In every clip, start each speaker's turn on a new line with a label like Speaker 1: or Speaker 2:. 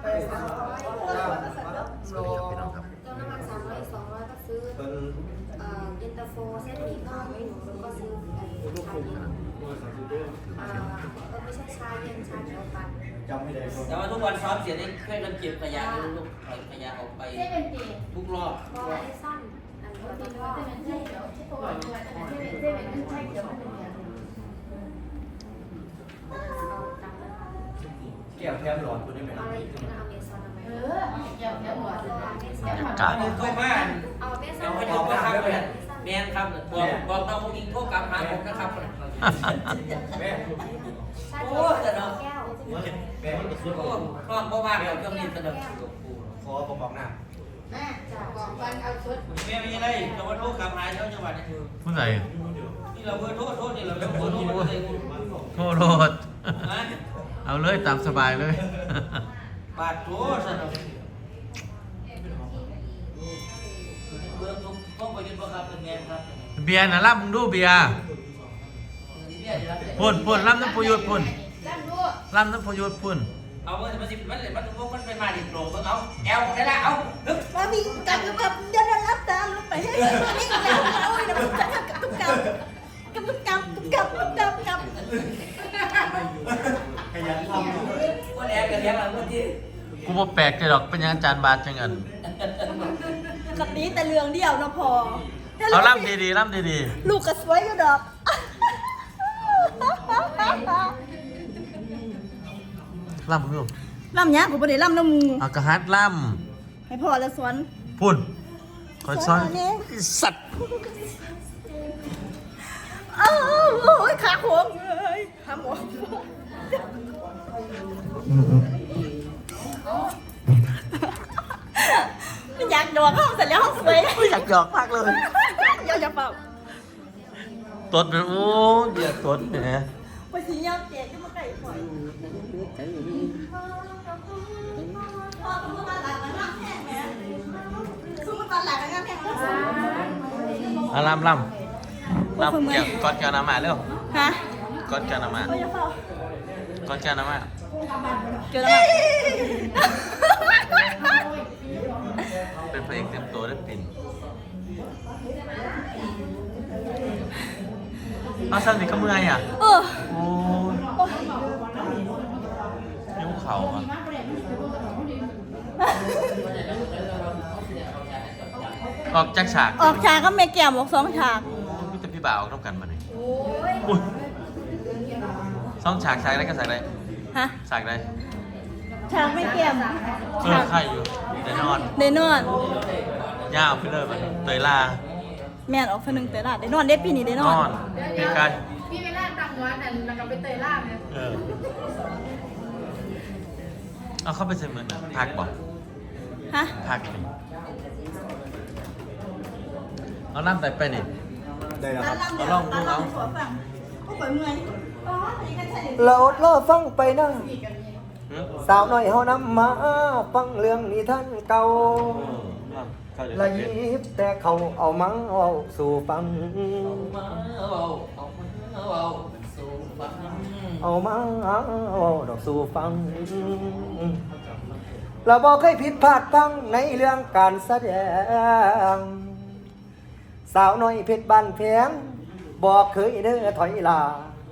Speaker 1: สวัสดีครับพี่น้องครับ
Speaker 2: เติมน้ำมัน300 200ก็ซื้อเย็นตาโฟเส้นหมี่ก็ไม่หนูก็ซื้อชาเย็นไม่ใช่ชาเย็นชาเขียวปั่น
Speaker 3: แต่ว่าทุกวันซ้อมเสียได้ช่วยกันเก็บขยะลูกขยะออกไปทุกรอบ
Speaker 2: ก็ไอ้สั้นอันนี้ก็
Speaker 4: แก้วแทบหลอดคุณได้ไหม
Speaker 2: เอาอะไรอีกนะเอาเมซอนเอาไหม
Speaker 1: บรรยากาศ
Speaker 3: โทษมาก
Speaker 2: เอาเมซอ
Speaker 3: เดี๋ย
Speaker 2: น
Speaker 3: วให้ยกนะครับแมนครับบอกน้องผู้หญิงโทษกลับหาผมนะครับ
Speaker 4: แม่
Speaker 2: ชาเขียวแก้ว
Speaker 4: แม่มันสุด
Speaker 3: โอ้น้องพ่อมากเลยเครื่องนี้สนุก
Speaker 4: ขอผมบอกหน้า
Speaker 3: แม่ไม่ใช่ไรแต่ว่าโทษกลับหาเจ้าจังหวัดนี่คือ
Speaker 1: ผู้ใด
Speaker 3: นี่เราเบอร์โทษนี่เราเบอร์โทษมันเลย
Speaker 1: โทษโทษเอาเลยตามสบายเลย
Speaker 3: บาดโถสนุกเบอร์ทุกต้องไปยืนประคับเป็นแมนครับ
Speaker 1: เบียร์นะรับมึงดูเบียร์พุ่นพุ่นรับน้ำประโยชน์พุ่นรับน้ำประโยชน์พุ่น
Speaker 3: เอาเมื่อมันสิมันเลยมันต้องมันเป็นมาดิโปร่งเอาแอลได้ละเอาฮึบ
Speaker 5: ว่ามีการกำกับเดินรับตามลงไปให้นี่ก็แล้วโอ้ยนะมันจะกับตุ๊กกับ
Speaker 4: ขยันทำ
Speaker 3: คนแอลกันเลี้ยงเราเมื่อกี้
Speaker 1: กูบ่แปลกใจหรอกเป็นหยังอาจารย์บาทจังอัน
Speaker 5: กับนี้แต่เรื่องเดียวนะพอ
Speaker 1: เอาล่ำดีๆล่ำดี
Speaker 5: ลูกก็สวยก็ดอก
Speaker 1: ๆล่ำมึงดู
Speaker 5: ล่ำเนี้ยผมไม่ได้ล่ำน้ำมู
Speaker 1: เอากระฮัดล่
Speaker 5: ให้พอแล้วสวน
Speaker 1: ำพุ่นคอยซ้อนสัตว์
Speaker 5: อ้าวโอ้ยขาโค้งเลยขาหมอไม่อยากดอกห้องเสร็จแล้วห้องสวย
Speaker 1: ไม่อยากหยอกมากเลย
Speaker 5: เดี๋ยวจะเป่า
Speaker 1: ตดเป็นโอ้เดี๋ยวตดแหม
Speaker 5: ไปสียามเจ๊จะมาไก่ฝอยพ่อคุณมาหลังมันน้ำแห้งไหมคุณมาหลังมันน้ำแห้งแล้ว
Speaker 1: เอาล่ำล่ำล่ำเกี่ยวกอดแก้วน้ำมาเร็ว
Speaker 5: ฮะ
Speaker 1: กอดแก้วน้ำมา
Speaker 5: ก็จะเป่าก
Speaker 1: อดแก้วน้ำมา
Speaker 5: เจอแล้ว
Speaker 1: เป็นพระเอกเต็มตัวได้ปิ่นเอาสั้นนี่ก็เมื่อยอ่ะ
Speaker 5: เออ
Speaker 1: โอ้ยยิ้วเข่าอ่ะออกจากฉาก
Speaker 5: ออกฉากก็เมแก้มออก2 ฉาก
Speaker 1: พี่จะพี่บ่าวออกต้องกันมาเลยอุ้ยสองฉากได้ก็ฉากได้
Speaker 5: ฮะ
Speaker 1: ฉากได้
Speaker 5: ฉากไม่แก้ม
Speaker 1: ไข่อยู่แต่นอน
Speaker 5: ได้นอน
Speaker 1: ยาวไปเลยมันเตยลา
Speaker 5: แม่นออกคนหนึ่งแต่ละได้นอนได้ปีนี้ได้น
Speaker 1: น
Speaker 5: อน
Speaker 1: อนเป็นการ
Speaker 6: พี่ไม่น่าตังวัดนั่นแล้วก็ไปเตยล่ามเนี่ย
Speaker 1: เอาเข้าไปเซ็นเหมือนพักบอก
Speaker 5: ฮะ
Speaker 1: พักนี่เอาน้ำใส่ไปนี่
Speaker 4: ได้แล้วครับ
Speaker 1: เอาลองดูเอา
Speaker 5: ขอฟังก็ปล่อยเมื่อยอ๋อนี่กันใช่
Speaker 7: เราเล่าฟังไปนะ
Speaker 1: หือ
Speaker 7: สาวน้อยเฮานำมาฟังเรื่องนิทานเก่า
Speaker 1: เข้าใจ
Speaker 7: ละยิบแต่เขาเอามังเอาสู่ฟัง
Speaker 3: สู่ฟัง
Speaker 7: เอามังเอาดอกสู่ฟังเราบอกเคยผิดพลาดพังในเรื่องการแสดง สาวน้อยเพชรบ้านแพงบอกเคยเด้อถอยลา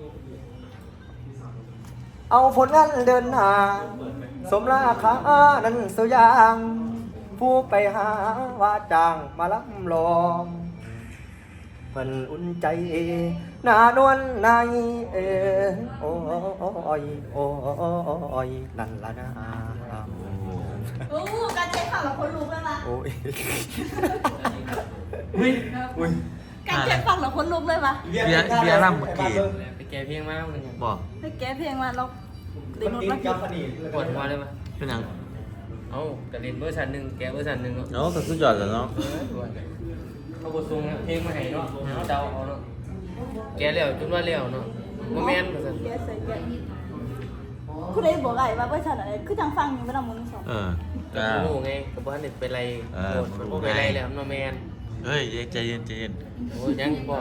Speaker 7: เอาผลงานเดินหน้าสมราคานั้นสุยาง ผู้ไปหาว่าจ้างมาล้ำลองเพิ่นอุ่นใจหน้านวลนายโอ้ยโอ้ยนั่นละนะ
Speaker 5: โอ้การใช้ฝั่งเราคนลุกเลยปะ
Speaker 7: โอ้ย
Speaker 1: อุ้ย
Speaker 5: การใช้ฝั่งเราคนลุกเลยปะ
Speaker 1: เบียร์ล่ำเมื่อกี้
Speaker 3: ไปแก้เพียงมากเลย
Speaker 1: บอก
Speaker 5: ให้แกเพลงมาเราได้
Speaker 4: มัน
Speaker 5: นอน
Speaker 4: ติด
Speaker 5: มา
Speaker 4: กับอันนี้
Speaker 3: ปวดหัวเลยมั้ย
Speaker 1: เป็นหยัง
Speaker 3: เอ้ากระเด็นเบอร์ชันหนึ่งแกเบอร์ชันหนึ่งเนาะ
Speaker 1: เนาะก็คือยอดแล้วเนาะ
Speaker 3: เขาบททรงเพลงมาให้เนาะเดาเอาเนาะแกเลี้ยวจนว่าเลี้ยวเนาะโมเมนต์มาสั่น
Speaker 5: แกใส่แกคุณได้บอกไอ้ว่าเวอร์ชันอะไรคือทางฟังนี่ไม่ต้องมึงสอง
Speaker 1: จ้า
Speaker 3: โง่ไงกับบ้านเด็กเป็นไรโดนมันเป็นไรแล้วโมเมนต์
Speaker 1: เฮ้ยใจเย็นใจเย็น
Speaker 3: โอ้ยังบอก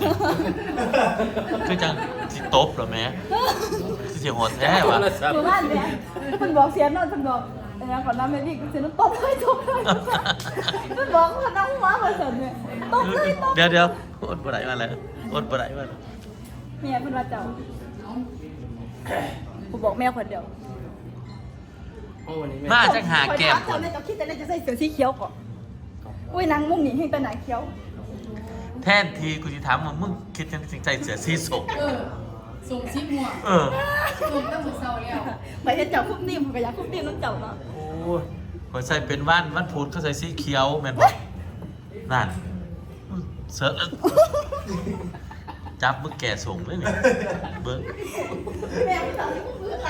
Speaker 1: คือจังสิตบเหรอแม่สิเสียงโหดแท้วะ
Speaker 5: หมู่บ้านเนี่ยคุณบอกเสียงนอนคุณบอกแล้วก่อนหน้าแม่พี่ก็เสียน้ำตบเลยตบเลยมันบอกว่าน้องหัวมาเสร็จเนี่ยตบเลยตบ
Speaker 1: เดี๋ยวอดบ่ได้มาแล้วอดบ่ได้มา
Speaker 5: เมียเพิ่นว่าเจ้ากูบอกแม่คนเดียว
Speaker 3: โอ้วันนี้แม่
Speaker 1: มาจักหาแก้ม
Speaker 5: ค
Speaker 1: คน น
Speaker 5: เจ้าจะคิดแต่จะใส่เสื้อสีเขียวก่อนอุ้ยนางมุ่งหนีให้ตาหนาเขียว
Speaker 1: แทนทีกูสิถามว่ามึงคิดจังสิใจเสือสีส้ม
Speaker 6: ส่งซิปหัว
Speaker 1: เออ
Speaker 6: ส่งตั้งมือเศร้าแล้ว
Speaker 5: ไปเห็นเจ้าคุบนิ่มก็อยากคุบนิ่มน้ำเจ้าเนาะ
Speaker 1: โอ้ยข่อยใส่เป็นวันพุธเขาใส่สีเขียวแม่นบ่นั่นเสือจับมึงแก่ส่งเลยนี่เบิ้ง
Speaker 5: แม่ที่เราที่คุบพื้นละ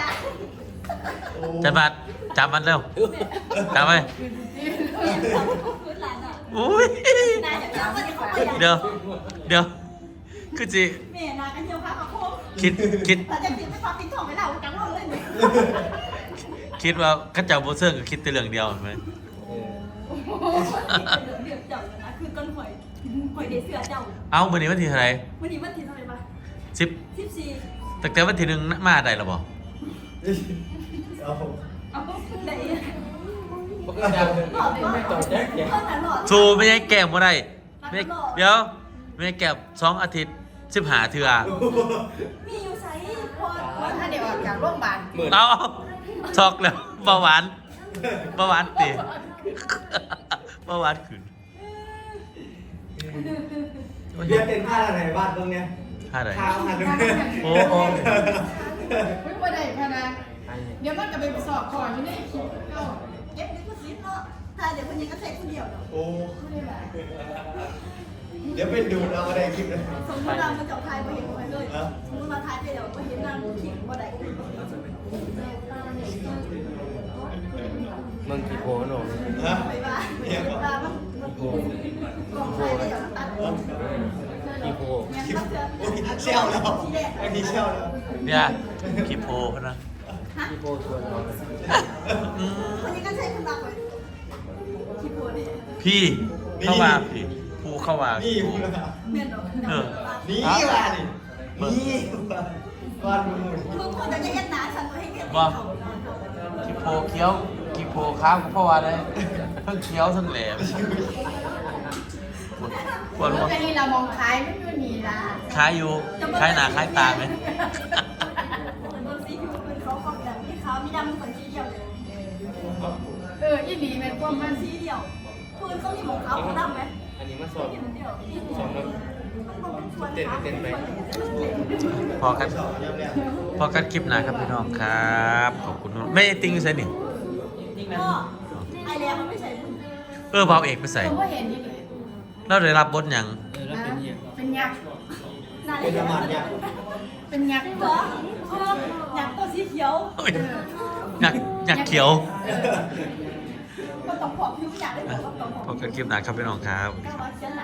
Speaker 1: จับมันเร็วจับไป
Speaker 5: พื้นหลานอ่ะ
Speaker 1: อุ้ย
Speaker 5: นายจะเจ้าวันนี้เขาไป
Speaker 1: เดี๋ยวคือจิ
Speaker 5: แม่นากันเจียวพาเขาโค้ง
Speaker 1: คิด
Speaker 5: เราจะติดไม่พอติดของไม่เราจังเราเลยเนี่ย
Speaker 1: คิดว่าข้าเจ้าโบเซิร์ก็คิดแต่เรื่องเดียวเห็นไหม
Speaker 5: เดือดเจ้านะคือต้นหอยเดเสือเจ้า
Speaker 1: เอาวันนี้วันที่เท่าไหร่
Speaker 5: วันนี้วันที่เท่าไหร่ปะ
Speaker 1: 10
Speaker 5: 14
Speaker 1: ตั้งแต่วันที่1มาได้หรอบ่
Speaker 4: เอา
Speaker 5: เอาไหน
Speaker 3: ปกติไม่ต่อแจ๊กอย่าง
Speaker 5: เท่านั้นหรอ
Speaker 1: สูไม่ใช่แก้มบ่ได้ไม่เดี๋ยวไม่ใช่แก้ม2 อาทิตย์15เทื่อ
Speaker 5: มีอยู่ไซพอ
Speaker 6: ว่าถ้าเดี๋ยวออกจากโรงพยาบาล
Speaker 3: หมื่น
Speaker 1: เอาช็อกแล้วเบาหวานติเบาหวานขึ้น
Speaker 4: เรียกเป็นค่าอะไรบ้านตรงเนี้ย
Speaker 1: ท่าไหน
Speaker 4: ค่าอาหารตรงเนี้ย
Speaker 1: โอ้โห
Speaker 6: ไม่ว่าได้พนะเดี๋ยวมันจะไปสอบก่อนอยู่ในคลิปเอ้า
Speaker 5: เก็บนี่ก็ซิปเนาะถ้าเดี๋ยวคนนี้ก็ใช้คนเดียวเนาะ
Speaker 4: โอ้
Speaker 6: ไม่ได้แบบ
Speaker 4: เดี๋ยวเป็นดูดเอาอะไรคลิปเลย
Speaker 5: สมมติเรามาจับทายมาเห็นคนเลยสมมติมาทายไปเดี๋ยวมาเห็นนางขิงบ่ได้
Speaker 3: มึงกี่โพนหนู
Speaker 4: ฮะ
Speaker 5: ไปว่า
Speaker 4: เนี่ยก็
Speaker 5: ตามันกองทายได้เดี๋ยวตัด
Speaker 3: กี่โพ
Speaker 5: เนี่ยมันจะ
Speaker 4: โอ้ยเชี่ยวแล้วอันนี้เชี่ยวแล้ว
Speaker 1: เนี่ยคิโพพนะ
Speaker 3: กี่โพชวนเรา
Speaker 5: คนนี้ก็ใช้คนรักเลยคิดโพเนี่ย
Speaker 1: พี่เข้ามาพี่ภูเข้ามา
Speaker 4: นี่
Speaker 1: ภู
Speaker 4: มึงนะ
Speaker 5: เมียนดอก
Speaker 4: นี่ว่านี่นี่ว่ามึง
Speaker 5: มึงควรจะเฮ็ดหนาฉันตัวให้เฮ็ด
Speaker 1: คิโพเคี้ยวคิโพข้ามเพราะว่าได้ทั้งเคี้ยวทั้งแหลมปวดหัว
Speaker 6: แค่นี้เรามองคล้ายไม่อยู่นี่ละ
Speaker 1: คล้ายอยู่คล้ายหน้าคล้ายตาไหม
Speaker 5: มันสีผิวเป็นเขาขอบแบบที่ขาวมีดำคนสีเดียวเลย
Speaker 6: อีหลีแม่นความมัน
Speaker 5: สีเดียวปืนเขามีหมวกขาวของดำไหม
Speaker 3: อันนี้มาสอบ
Speaker 5: เดียว
Speaker 3: สอบแล้ว เต้นไป
Speaker 1: พอกันคลิปหน้าครับพี่น้องครับ ขอบคุณมากไม่ติงอยู่ใส่นี่
Speaker 5: ก็ไอแลมันไม่ใช่ปืน
Speaker 1: เบาเอกไปใส่
Speaker 6: ผมก็เห็นนี่เลย
Speaker 1: เราได้รับบทหยัง
Speaker 3: แล้วเป็นยัง
Speaker 6: เป็นยักษ์
Speaker 5: นา
Speaker 4: เป็นน้ำมันเนี่ย
Speaker 6: เป็นยักษ์
Speaker 5: เหรออยากตัวสีเขียว
Speaker 1: โอ้ยอยากเขียว
Speaker 5: ก็ต้องขอบผิวอยากได้บอกว่าต้องขอบ
Speaker 1: พบกันคลิปหน้าครับพี่น้องครับ
Speaker 5: แต่ว่าเขียน